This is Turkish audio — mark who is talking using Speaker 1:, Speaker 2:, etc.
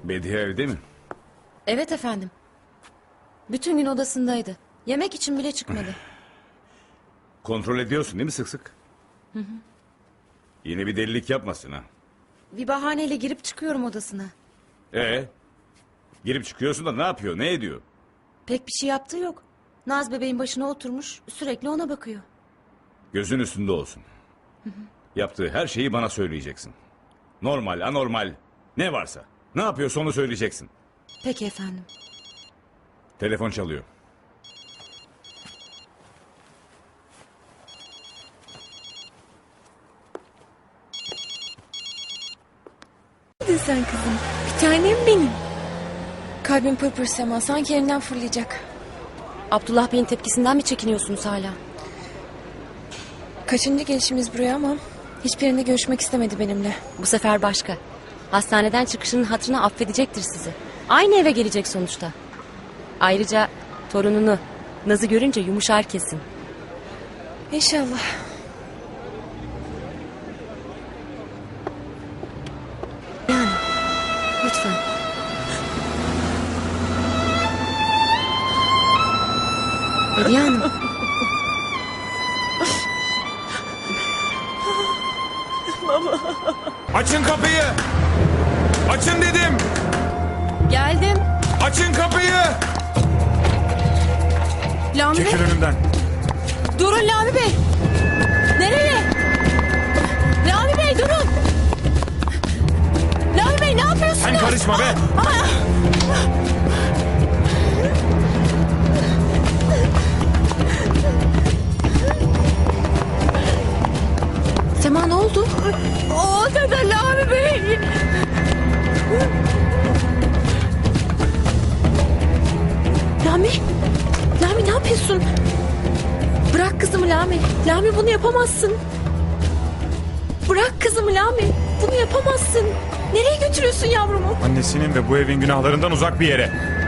Speaker 1: Bediye evde mi?
Speaker 2: Evet efendim. Bütün gün odasındaydı. Yemek için bile çıkmadı.
Speaker 1: Kontrol ediyorsun değil mi sık sık? Yine bir delilik yapmasın ha.
Speaker 2: Bir bahaneyle girip çıkıyorum odasına.
Speaker 1: Girip çıkıyorsun da ne yapıyor, ne ediyor?
Speaker 2: Pek bir şey yaptığı yok. Naz bebeğin başına oturmuş, sürekli ona bakıyor.
Speaker 1: Gözün üstünde olsun. Yaptığı her şeyi bana söyleyeceksin. Normal, anormal, ne varsa. Ne yapıyorsa onu söyleyeceksin.
Speaker 2: Peki efendim.
Speaker 1: Telefon çalıyor.
Speaker 3: Hadi sen kızım. Bir tanem benim. Kalbim pırpır Sema. Sanki yerinden fırlayacak.
Speaker 2: Abdullah Bey'in tepkisinden mi çekiniyorsunuz hala?
Speaker 3: Kaçıncı gelişimiz buraya ama hiçbirinde görüşmek istemedi benimle.
Speaker 2: Bu sefer başka. Hastaneden çıkışının hatırına affedecektir sizi. Aynı eve gelecek sonuçta. Ayrıca torununu, Naz'ı görünce yumuşar kesin.
Speaker 3: İnşallah.
Speaker 2: Yani lütfen. Hediye Hanım.
Speaker 4: Açın kapıyı! Açın dedim!
Speaker 2: Geldim.
Speaker 4: Açın kapıyı!
Speaker 2: Lami Bey.
Speaker 4: Çekil önümden.
Speaker 2: Durun Lami Bey. Nereye? Lami Bey durun. Lami Bey ne yapıyorsunuz?
Speaker 4: Sen karışma be!
Speaker 2: Sema ne oldu? O da Lami Bey. Lami. Lami ne yapıyorsun? Bırak kızımı Lami. Lami bunu yapamazsın. Bırak kızımı Lami. Bunu yapamazsın. Nereye götürüyorsun yavrumu?
Speaker 4: Annesinin ve bu evin günahlarından uzak bir yere.